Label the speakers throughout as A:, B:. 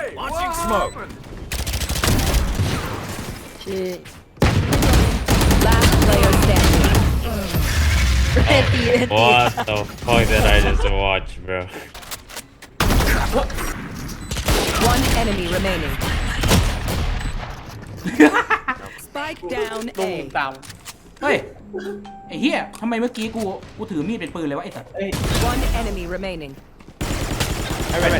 A: Launching smoke.
B: ชื่อ last player standing เอ็ดตี
C: What the fuck did I just watch, bro?
B: one enemy remaining spike down
D: ลุง
B: A
D: ตาม
E: เฮ้ยไอ้เหี้ยทำไมเมื่อกี้กูถือมีดเป็นปืนเลยวะไอ้สัส
B: one enemy remaining
D: ไม่เป็น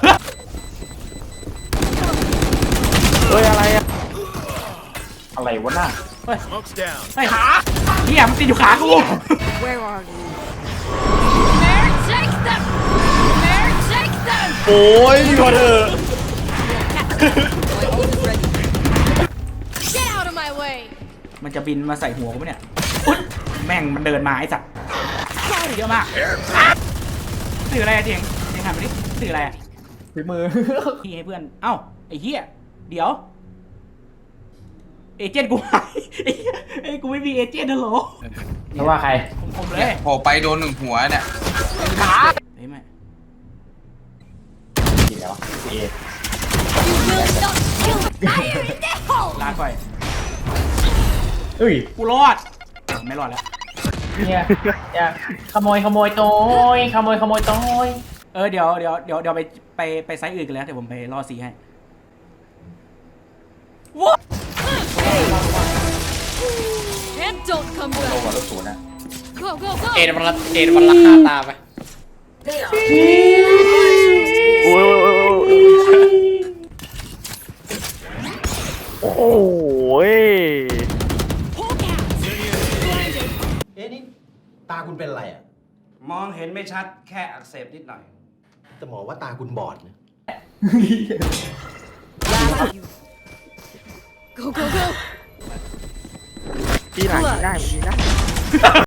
F: เฮ้ยอะไรอ่ะ
D: อะไรวะน่ะ
A: Smoke's down.
E: ไอ้ขาเหี้ยมันติดอยู่ขากู
B: where are you
G: Mare, take them! Mare, take them!
F: โอ้ยพอเถอะ
B: my ult is ready
G: Get out of my way!
E: มันจะบินมาใส่หัวกูปะเนี่ยอุ๊ยแม่งมันเดินมาไอ้สัสเยอะมากสื่ออะไรอะเจียงหันมาดิสื่ออะไรอะ
D: ฝีมือ
E: พี่ให้เพื่อนเอ้าไอ้เหี้ยเดี๋ยวเอเจนต์กูหายไอ้เหี้ยไอ้กูไม่มีเอเจนต์นะโหล
D: เพราะว่าใคร
E: ผมเลย
H: โผล่ไปโดนหนึ่งหัวเนี่ย
E: เฮ้ยไม่
D: จริงแล้วเอ
G: You will not kill fire in the hole!
E: ลาก่อย
D: เอ้ย
E: กูรอดไม่รอดแล้ว
D: เนี่ยขโมยโต้ยขโมยโต้ย
E: เดี๋ยวไปไซส์อื่นกันแล้วเดี๋ยวผมไปรอสีให้ว้า
G: And don't come
D: โล
G: back!
D: กว่าลบศูนย์นะ
G: Go, go, go!
D: เอ็ดมันราคาตามไป
F: โอ้ยโอ้ย
G: Poke out!
I: เอ๊ะนี่ตาคุณเป็นอะไรอ่ะ
J: มองเห็นไม่ชัดแค่อักเสบนิดหน่อย
I: แต่หมอว่าตาคุณบอดนะ
G: Go, go, go!
F: ทีหลังได้ทีได้